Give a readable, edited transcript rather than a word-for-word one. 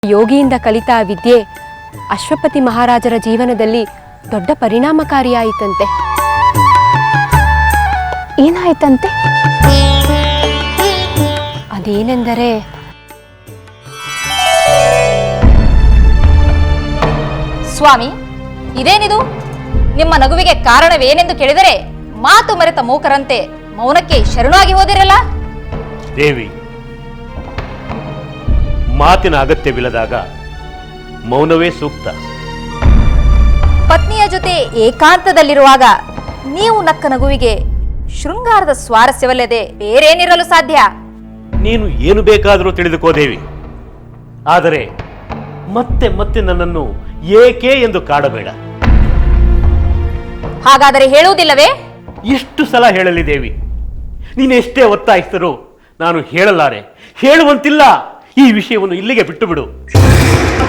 ಯೋಗಿಯಿಂದ ಕಲಿತ ಆ ವಿದ್ಯೆ ಅಶ್ವಪತಿ ಮಹಾರಾಜರ ಜೀವನದಲ್ಲಿ ದೊಡ್ಡ ಪರಿಣಾಮಕಾರಿಯಾಯಿತಂತೆ. ಏನಾಯ್ತಂತೆ? ಅದೇನೆಂದರೆ ಸ್ವಾಮಿ, ಇದೇನಿದು? ನಿಮ್ಮ ನಗುವಿಗೆ ಕಾರಣವೇನೆಂದು ಕೇಳಿದರೆ ಮಾತು ಮರೆತ ಮೂಕರಂತೆ ಮೌನಕ್ಕೆ ಶರಣಾಗಿ ಹೋದಿರಲ್ಲ. ದೇವಿ, ಮಾತಿನ ಅಗತ್ಯವಿಲ್ಲದಾಗ ಮೌನವೇ ಸೂಕ್ತ. ಪತ್ನಿಯ ಜೊತೆ ಏಕಾಂತದಲ್ಲಿರುವಾಗ ನೀವು ನಕ್ಕ ನಗುವಿಗೆ ಶೃಂಗಾರದ ಸ್ವಾರಸ್ಯವಲ್ಲದೆ ಬೇರೇನಿರಲು ಸಾಧ್ಯ? ನೀನು ಏನು ಬೇಕಾದರೂ ತಿಳಿದುಕೋ ದೇವಿ, ಆದರೆ ಮತ್ತೆ ಮತ್ತೆ ನನ್ನನ್ನು ಏಕೆ ಎಂದು ಕಾಡಬೇಡ. ಹಾಗಾದರೆ ಹೇಳುವುದಿಲ್ಲವೇ? ಎಷ್ಟು ಸಲ ಹೇಳಲಿ ದೇವಿ, ನೀನೆಷ್ಟೇ ಒತ್ತಾಯಿಸಿದರೂ ನಾನು ಹೇಳಲಾರೆ, ಹೇಳುವಂತಿಲ್ಲ. ಈ ವಿಷಯವನ್ನು ಇಲ್ಲಿಗೆ ಬಿಟ್ಟು ಬಿಡು.